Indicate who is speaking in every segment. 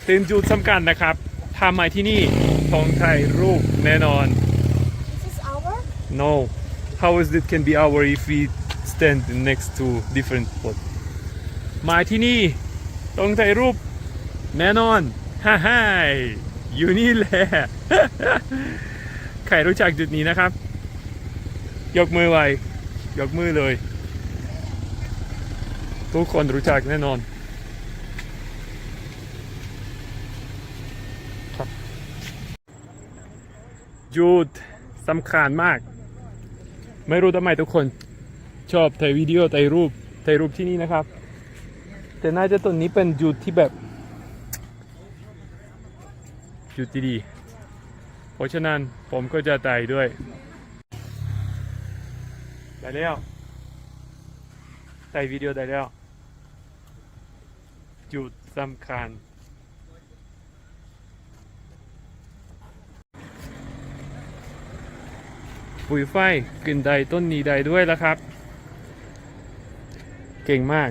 Speaker 1: เป็นจุดสำคัญนะครับทำมาที่นี่ต้องถ่ายรูปแน่นอน
Speaker 2: Is this our?
Speaker 1: No how is it can be our if we stand next to different spot มาที่นี่ต้องถ่ายรูปแน่นอนฮ่าฮ่าอยู่นี่แหละ ใครรู้จักจุดนี้นะครับยกมือไว้ยกมือเลยทุกคนรู้จักแน่นอนครับจุดสำคัญมากไม่รู้ทำไมทุกคนชอบถ่ายวิดีโอถ่ายรูปที่นี่นะครับแต่น่าจะต้นนี้เป็นจุดที่แบบจุดที่ดีเพราะฉะนั้นผมก็จะถ่ายด้วยได้แล้วถ่ายวิดีโอได้แล้วจุดสำคัญปุ๋ยไฟขึ้นได้ต้นนี้ได้ด้วยแล้วครับเก่งมาก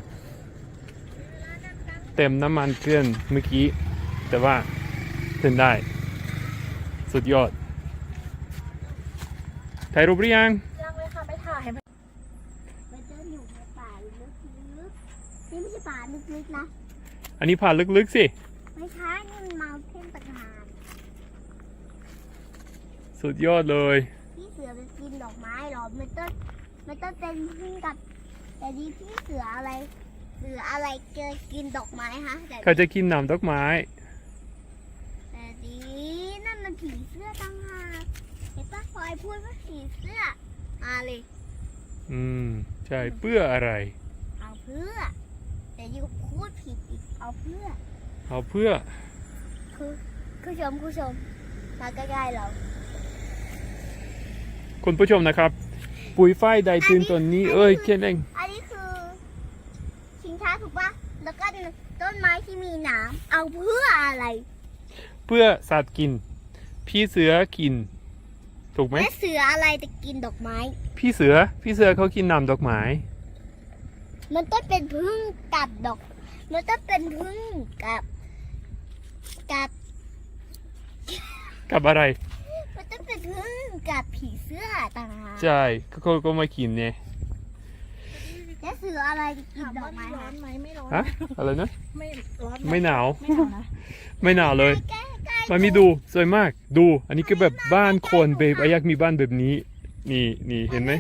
Speaker 1: เต็มน้ำมันเกลือนเมื่อกี้แต่ว่าขึ้นได้สุดยอดถ่ายรูปหรือยัง
Speaker 2: ยังเลยค่ะไปถ่ายมันจะอยู่ในป่าลึกๆนี่ไม่ใช่ป่าลึกๆนะ
Speaker 1: อันนี้ผ่านลึกๆสิ
Speaker 2: ไม่ใช่นี่มันมาเพ่นต่างหาก
Speaker 1: สุดยอดเลย
Speaker 2: พี่เสือไปกินดอกไม้หรอมันต้องเป็นพึ่งกับแต่ดีพี่เสืออะไรเจอกินดอกไม้ฮะแต่
Speaker 1: เขาจะกินน้ำดอกไม้
Speaker 2: แต่ดีนั่นมันผีเสื้อต่างหากเห็นป้าพลอยพูดว่าผีเสื้อมาเลย
Speaker 1: ใช่เพื่ออะไร
Speaker 2: เอาเพื่อแต่ยูพูดผิดอีกเอาเพื่อคุณชมมาใกล้ๆเรา
Speaker 1: คุณผู้ชมนะครับปุ๋ยฝ้ายได้ตื่นต้นนี้แค่นั้น
Speaker 2: อันนี้คือชิงช้าถูกปะแล้วก็ต้นไม้ที่มีหนามเอาเพื่ออะไร
Speaker 1: เพื่อสัตว์กินพี่เสือกินถูกไหม
Speaker 2: แม่เสืออะไรจะกินดอกไม้
Speaker 1: พี่เสือเขากินน้ำดอกไม้
Speaker 2: มันต้องเป็นพึ่งกับดอกมันต้องเป็นพึ่งกับ
Speaker 1: อะไร
Speaker 2: มันต้องเป็นพึ่งกับผีเสื้อต่างหาก
Speaker 1: ใช่ก็ไม่กินเนี่ย
Speaker 2: แม่เสืออะไรจะกินดอกไม้
Speaker 3: ร้อนไหมไม่ร้อน
Speaker 1: ฮะอะไรนะ
Speaker 3: ไม่ร้อน
Speaker 1: ไม่หนาว
Speaker 3: นะ
Speaker 1: ไม่หนาวเลยมันมีดูสวยมากดูอันนี้ก็แบบบ้านคนแบบอยากมีบ้านแบบนี้นี่เห็นไหม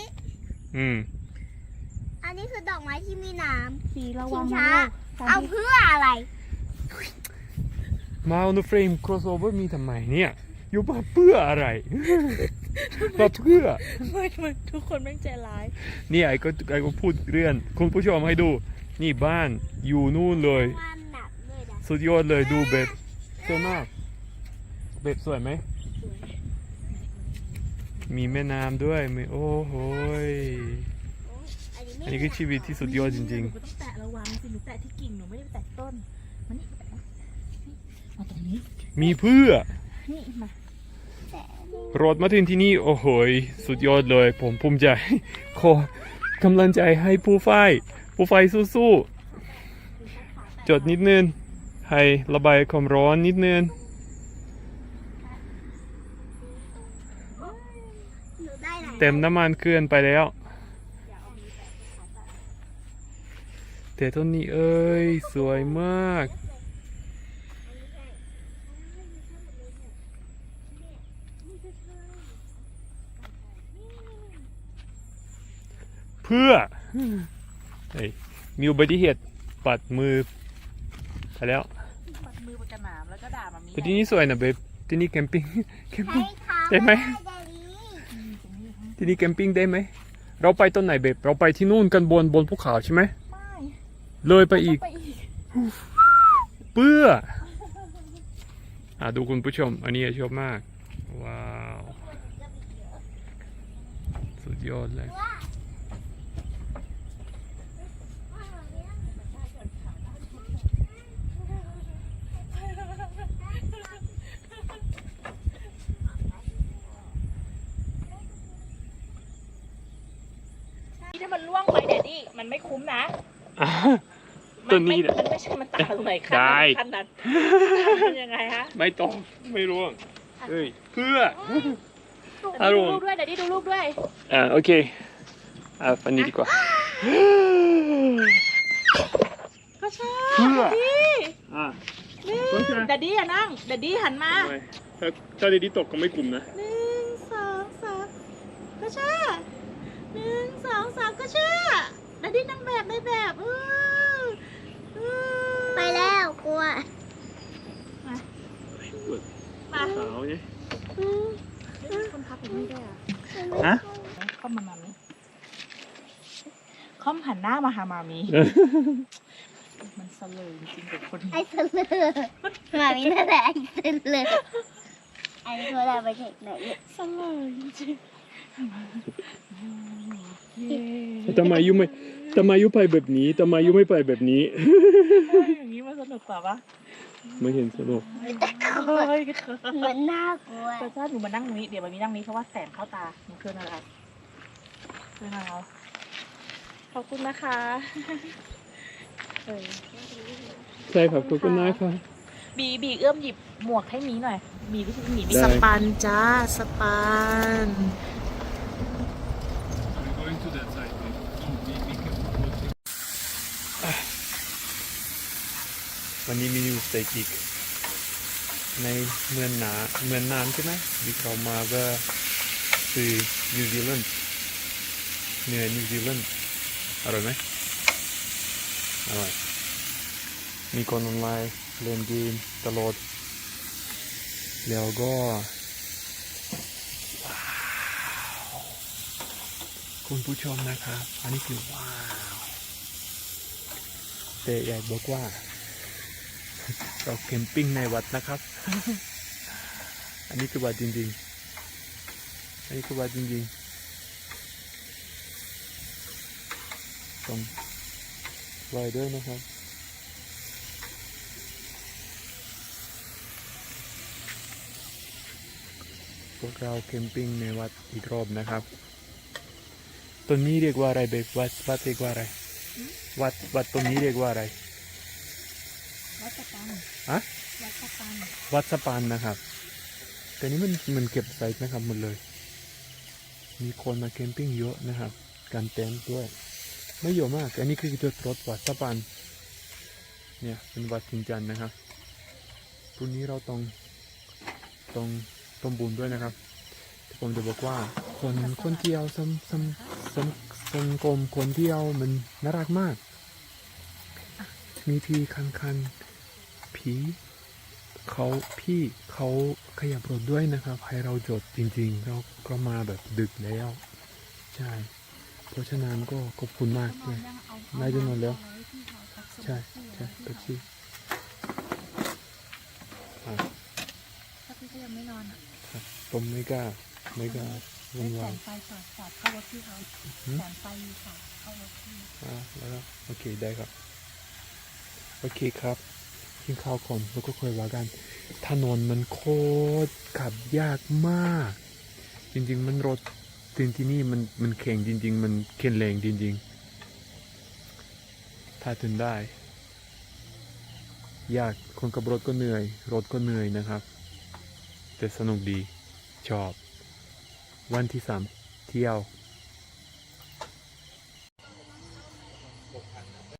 Speaker 2: อันนี้คือดอกไม้ที่มีน้ำ
Speaker 3: สีระวัง
Speaker 2: ช้าเอาเพื่ออะไร
Speaker 1: มาเอาเฟรม crossover มีทำไมเนี่ยอยู่บ้านเพื่ออะไรมาเพื่อ
Speaker 3: ไม่ทุกคนแม่งใจร้าย
Speaker 1: นี่ไอ้ก็พูดเรื่องคุณผู้ชมให้ดูนี่บ้านอยู่นู่นเลยสุดยอดเลยดูแบบสวยมากแบบสวยไหมมีแม่น้ำด้วยโอ้โหอันนี้คือชีวิตที่สุดยอดจริงๆ
Speaker 3: หนูต้องแตะระวังสิหนูแตะที่กิ่งหนูไม่ได้แตะต้นมันนี่มาตรงนี้
Speaker 1: มีเพื่อ
Speaker 3: นี่มาร
Speaker 1: ถมาถึงที่นี่โอ้โหสุดยอดเลยผมภูมิใจขอกำลังใจให้ผู้ไฟสู้ๆจดนิดนึงให้ระบายความร้อนนิดนึงเต็มน้ำมันเกินไปแล้วแต่ต้นนี้สวยมากเพื่อมีอุบัติเหตุปัดมือไปแล้ว
Speaker 3: ปัดมือปากกระหน่ำแล้วก็ด่ามามี
Speaker 1: แต่ที่นี่สวยนะเบบที่นี่แคมปิ้งได้ไหมที่นี่แคมปิ้งได้ไหมเราไปต้นไหนเบบเราไปที่นู่นกันบนภูเขาใช่ไหม
Speaker 3: ไม่
Speaker 1: เลยไปอีกเพื่อดูคุณผู้ชมอันนี้ชอบมากว้าวสุดยอดเลย
Speaker 3: ถ้ามันล่วงไปเดี๋ยวดิมันไม่คุ้มนะ
Speaker 1: ต้ตัวนี้เนี่ย
Speaker 3: มันไม่ใช่มันต่างตรงไหนขั้น
Speaker 1: ได้
Speaker 3: ขั้นนั้นมันยังไงฮะ
Speaker 1: ไม่ต้องไม่รู้เฮ้ยเพื่อ
Speaker 3: ดู
Speaker 1: อารมณ์
Speaker 3: รูปด้วยเดี๋ยวดิดูรูปด้วย
Speaker 1: โอเคอันนี้ดีกว่า
Speaker 3: ก็ใช่
Speaker 1: เพื่อ
Speaker 3: นี่
Speaker 1: โอเค
Speaker 3: เดี๋ยวดิอย่านั่งเดี๋ยวดิหันมา
Speaker 1: ถ้าดีๆตกก็ไม่กลุ่มนะ
Speaker 3: 1 2 3ก็ใช่1 2 3ก็ใช่เดี๋ยวดินั่งแบบในแบบ
Speaker 2: ไปแล้วกลัว
Speaker 3: มา
Speaker 1: สาวเนี่ย
Speaker 3: คนพับอย่างนี้ได้อะ
Speaker 1: ฮะ
Speaker 3: ค่อมมามามิค่อมหันหน้ามาหามามิมันเสลยจริงๆกับคนนี้
Speaker 2: ไอ้เสลอมามีนั่นแหละไอ้เสลอไอ้ตัวเราไปเช็คไหนเนี่ย
Speaker 3: เสลยจริงๆ
Speaker 1: ทำไมยูไปแบบนี้ทำไมยูไม่ไปแบบนี้
Speaker 3: อย่างนี้มันสนุกกว่าปะ
Speaker 1: ไม่เห็นสนุก
Speaker 3: เคย
Speaker 2: เหมือนน่ากลัว
Speaker 3: แต่ถ้าหนูมานั่งตรงนี้เดี๋ยวมามีนั่งนี้เพราะว่าแสงเข้าตาหนูคืนอะไรคืนอะไรขอบคุณนะคะเออ
Speaker 1: ใช่ครับขอบคุณนะครับ
Speaker 3: บีเอื้อมหยิบหมวกให้มีหน่อยมีวิธีหนี
Speaker 1: ได้
Speaker 3: สปันจ้าสปัน
Speaker 1: วันนี้มีนิวสเต็กอีกในเมืองนานใช่ไหมที่เขามาก็คือนิวซีแลนด์เนื้อนิวซีแลนด์อร่อยไหมอร่อยมีคนออนไลน์เล่นเกมตลอดแล้วก็ว้าวคุณผู้ชมนะครับอันนี้คือว้าวแต่อยากบอกว่าเราแคมปิ้งในวัดนะครับ อันนี้คือวัดจริงๆ อันนี้คือวัดจริงๆต้องไหวด้วยนะครับ พวกเราแคมปิ้งในวัดอีกรอบนะครับต้นนี้เรียกว่าอะไรเบกวัดเรียกว่าอะไร วัดต้นนี้เรียกว่าอะไร
Speaker 3: วัดสปัน
Speaker 1: ฮะ
Speaker 3: วัดสปัน
Speaker 1: วัดสปานนะครับแต่นี้มันเก็บไซต์นะครับหมดเลย มีคนมาแคมปิ้งเยอะนะครับ การเต็นท์ด้วย ไม่เยอะมาก อันนี้คือจุดรถวัดสปานเนี่ยเป็นวัดจริงจันนะครับพรุ่งนี้เราต้องบุญด้วยนะครับที่ผมจะบอกว่าคนเที่ยวสังคมคนเที่ยวมันน่ารักมาก มีที่คันพี่เขาขยับรถด้วยนะครับให้เราจดจริงๆเราก็มาแบบดึกแล้วใช่เพราะฉะนั้นก็ขอบคุณมากเลยนายจะนอนแล้วใช่เป๊ปซี่
Speaker 3: ถ้าพี่ก็ยังไม่นอนอ่ะ
Speaker 1: ผมไม่กล้าวุ่น
Speaker 3: แส
Speaker 1: วาย
Speaker 3: งไฟสอดเข้ารถพี่เขาแสงไฟสอดเข้ารถพี่
Speaker 1: แล้วก็โอเคได้ครับโอเคครับกินข้าวก่อนแล้วก็ค่อยว่ากันถนนมันโคตรขับยากมาก จริงๆมันรถที่นี่มันแข็งจริงๆมันเข็นแรงจริงๆถ้าถึงได้ยากคนกับรถก็เหนื่อยรถก็เหนื่อยนะครับแต่สนุกดีชอบวันที่3เที่ยว